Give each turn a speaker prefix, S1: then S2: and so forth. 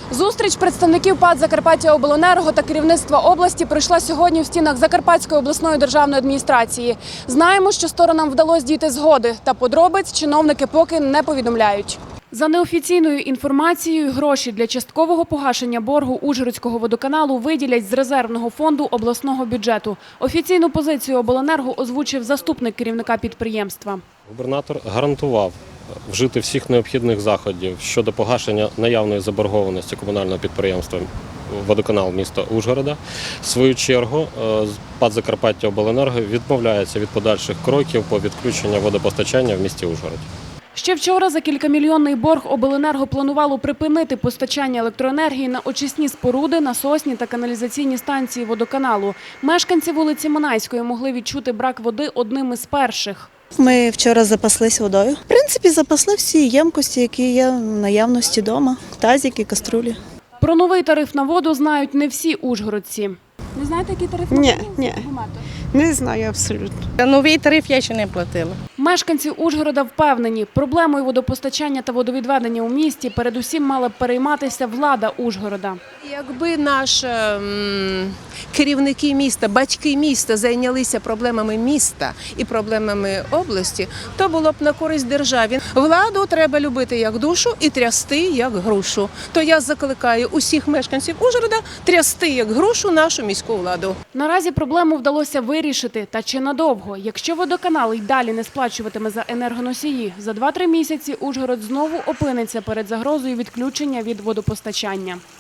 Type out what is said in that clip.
S1: Зустріч представників ПАТ «Закарпаттяобленерго» та керівництва області пройшла сьогодні в стінах Закарпатської обласної державної адміністрації. Знаємо, що сторонам вдалося дійти згоди, та подробиць чиновники поки не повідомляють. За неофіційною інформацією, гроші для часткового погашення боргу Ужгородського водоканалу виділять з резервного фонду обласного бюджету. Офіційну позицію обленерго озвучив заступник керівника підприємства.
S2: Губернатор гарантував вжити всіх необхідних заходів щодо погашення наявної заборгованості комунального підприємства «Водоканал» міста Ужгорода. В свою чергу ПАТ «Закарпаттяобленерго» відмовляється від подальших кроків по відключенню водопостачання в місті Ужгороді.
S1: Ще вчора за кількамільйонний борг обленерго планувало припинити постачання електроенергії на очисні споруди, насосні та каналізаційні станції водоканалу. Мешканці вулиці Монайської могли відчути брак води одним із перших.
S3: Ми вчора запаслись водою. В принципі, запасли всі ємкості, які є в наявності вдома, тазики, каструлі.
S1: Про новий тариф на воду знають не всі ужгородці. Не знаєте, який тариф на воду?
S4: Ні. Не знаю абсолютно. Новий тариф я ще не платила.
S1: Мешканці Ужгорода впевнені, проблемою водопостачання та водовідведення у місті передусім мала б перейматися влада Ужгорода.
S5: Якби наші керівники міста, батьки міста зайнялися проблемами міста і проблемами області, то було б на користь державі. Владу треба любити як душу і трясти як грушу. То я закликаю усіх мешканців Ужгорода трясти як грушу нашу міську владу.
S1: Наразі проблему вдалося вирішити, та чи надовго. Якщо водоканал й далі не сплачуватиме за енергоносії, за 2-3 місяці Ужгород знову опиниться перед загрозою відключення від водопостачання.